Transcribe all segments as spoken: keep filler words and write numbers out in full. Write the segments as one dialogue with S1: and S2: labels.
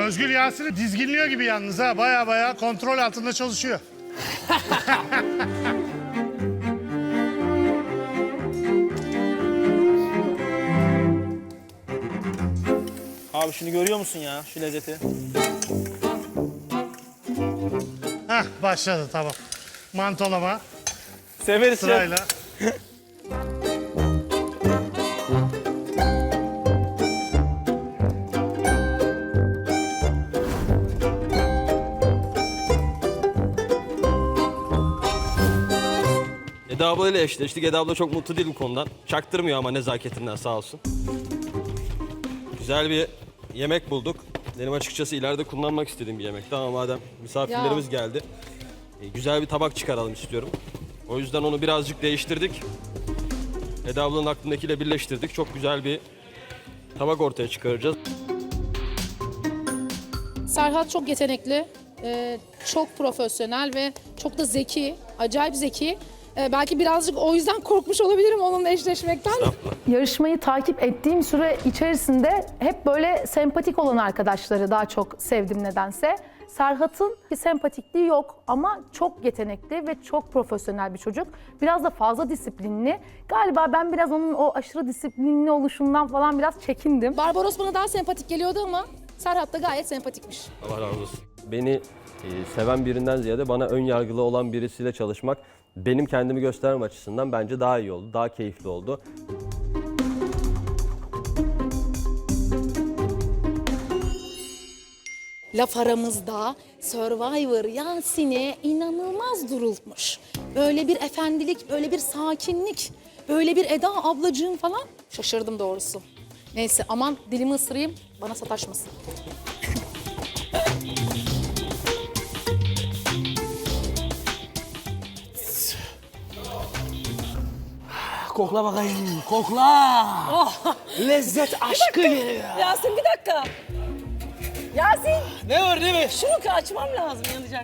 S1: Özgül Yasin'i dizginliyor gibi yalnız ha. Baya baya kontrol altında çalışıyor.
S2: Abi şunu görüyor musun ya, şu lezzeti?
S1: Hah başladı tamam. Mantolama
S2: Severiz
S1: sırayla.
S3: Eda abla ile eşleştik. Eda abla çok mutlu değil bu konudan. Çaktırmıyor ama nezaketinden sağ olsun. Güzel bir yemek bulduk. Benim açıkçası ileride kullanmak istediğim bir yemekti ama madem misafirlerimiz
S4: Ya.
S3: geldi. e, Güzel bir tabak çıkaralım istiyorum. O yüzden onu birazcık değiştirdik. Eda ablanın aklındakiyle birleştirdik. Çok güzel bir tabak ortaya çıkaracağız.
S4: Serhat çok yetenekli, e, çok profesyonel ve çok da zeki, acayip zeki. E, belki birazcık o yüzden korkmuş olabilirim onunla eşleşmekten.
S5: Yarışmayı takip ettiğim süre içerisinde hep böyle sempatik olan arkadaşları daha çok sevdim nedense. Serhat'ın bir sempatikliği yok ama çok yetenekli ve çok profesyonel bir çocuk. Biraz da fazla disiplinli. Galiba ben biraz onun o aşırı disiplinli oluşundan falan biraz çekindim.
S4: Barbaros bana daha sempatik geliyordu ama Serhat da gayet sempatikmiş.
S3: Allah razı olsun. Beni e, seven birinden ziyade bana ön yargılı olan birisiyle çalışmak benim kendimi göstermem açısından bence daha iyi oldu, daha keyifli oldu.
S4: Laf aramızda Survivor Yasin'e inanılmaz durulmuş. Böyle bir efendilik, böyle bir sakinlik, böyle bir Eda ablacığım falan. Şaşırdım doğrusu. Neyse aman dilimi ısırayım, bana sataşmasın.
S2: Kokla bakayım, kokla! Lezzet aşkı geliyor.
S6: Yasin bir dakika. Yasin
S2: Ne var değil mi?
S6: şunu açmam lazım, yanacak.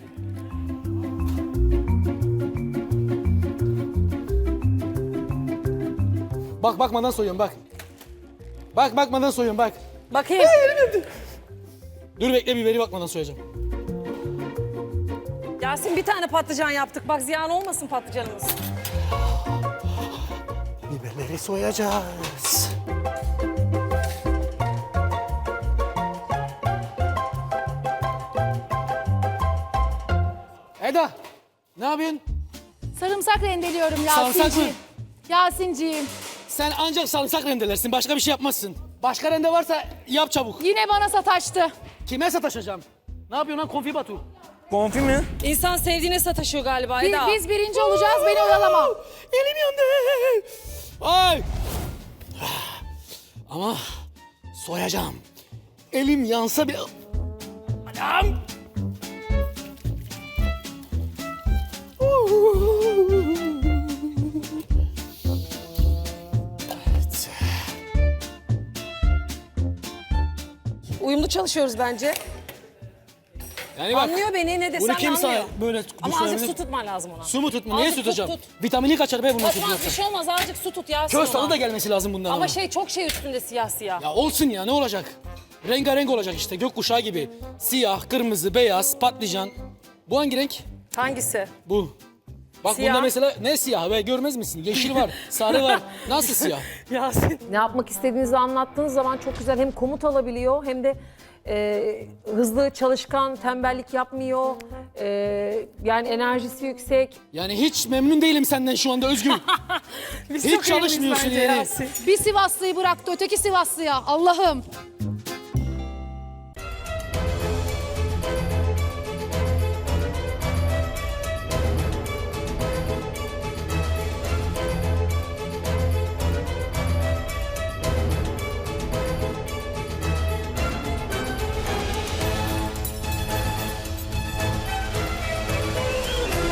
S2: Bak bakmadan soyuyorum bak. Bak bakmadan soyuyorum bak.
S6: Bakayım.
S2: Dur bekle biberi bakmadan soyacağım.
S6: Yasin bir tane patlıcan yaptık. Bak ziyan olmasın patlıcanımız.
S2: Biberleri soyacağız. Eda, ne yapıyorsun?
S4: Sarımsak rendeliyorum
S2: Sarımsak mı?
S4: Yasin'ciğim. Yasin'ciğim.
S2: Sen ancak sarımsak rendelersin, başka bir şey yapmazsın. Başka rende varsa yap çabuk.
S4: Yine bana sataştı.
S2: Kime sataşacağım? Ne yapıyorsun lan konfi Batu?
S3: Konfi mi?
S6: İnsan sevdiğine sataşıyor galiba
S4: Biz,
S6: Eda.
S4: biz birinci olacağız, beni oyalama.
S2: Elim yandı. Ay. Ama soyacağım. Elim yansa bile... Anam. Evet.
S6: Uyumlu çalışıyoruz bence.
S2: Yani bak,
S6: Anlıyor beni, ne desem
S2: bunu
S6: de
S2: kim
S6: anlıyor.
S2: sağ böyle
S6: Ama azıcık
S2: düşünebilir?
S6: su tutman lazım ona.
S2: Su mu tutma? Niye
S6: Azıcık
S2: tutacağım?
S6: tut, tut.
S2: Vitamini kaçar be bunu
S6: Tutmaz, bir
S2: tutuyorsa.
S6: şey olmaz. Azıcık su tut Yasin
S2: Köz tadı
S6: ona.
S2: da gelmesi lazım bundan ama.
S6: Ama şey çok şey üstünde siyah siyah.
S2: Ya olsun ya ne olacak? Rengarenk olacak işte gökkuşağı gibi. Siyah, kırmızı, beyaz, patlıcan. Bu hangi renk?
S6: Hangisi?
S2: Bu. Bak
S6: Siyah.
S2: bunda mesela ne siyah be görmez misin? Yeşil var, sarı var. Nasıl siyah?
S6: Yasin.
S7: Ne yapmak istediğinizi anlattığınız zaman çok güzel hem komut alabiliyor hem de e, hızlı, çalışkan, tembellik yapmıyor. E, yani enerjisi yüksek.
S2: Yani hiç memnun değilim senden şu anda Özgür.
S6: Biz
S2: Hiç
S6: çok iyiymiş
S2: çalışmıyorsun
S6: bence
S2: yani.
S6: Yasin.
S4: Bir Sivaslıyı bıraktı öteki Sivaslıya. Allah'ım.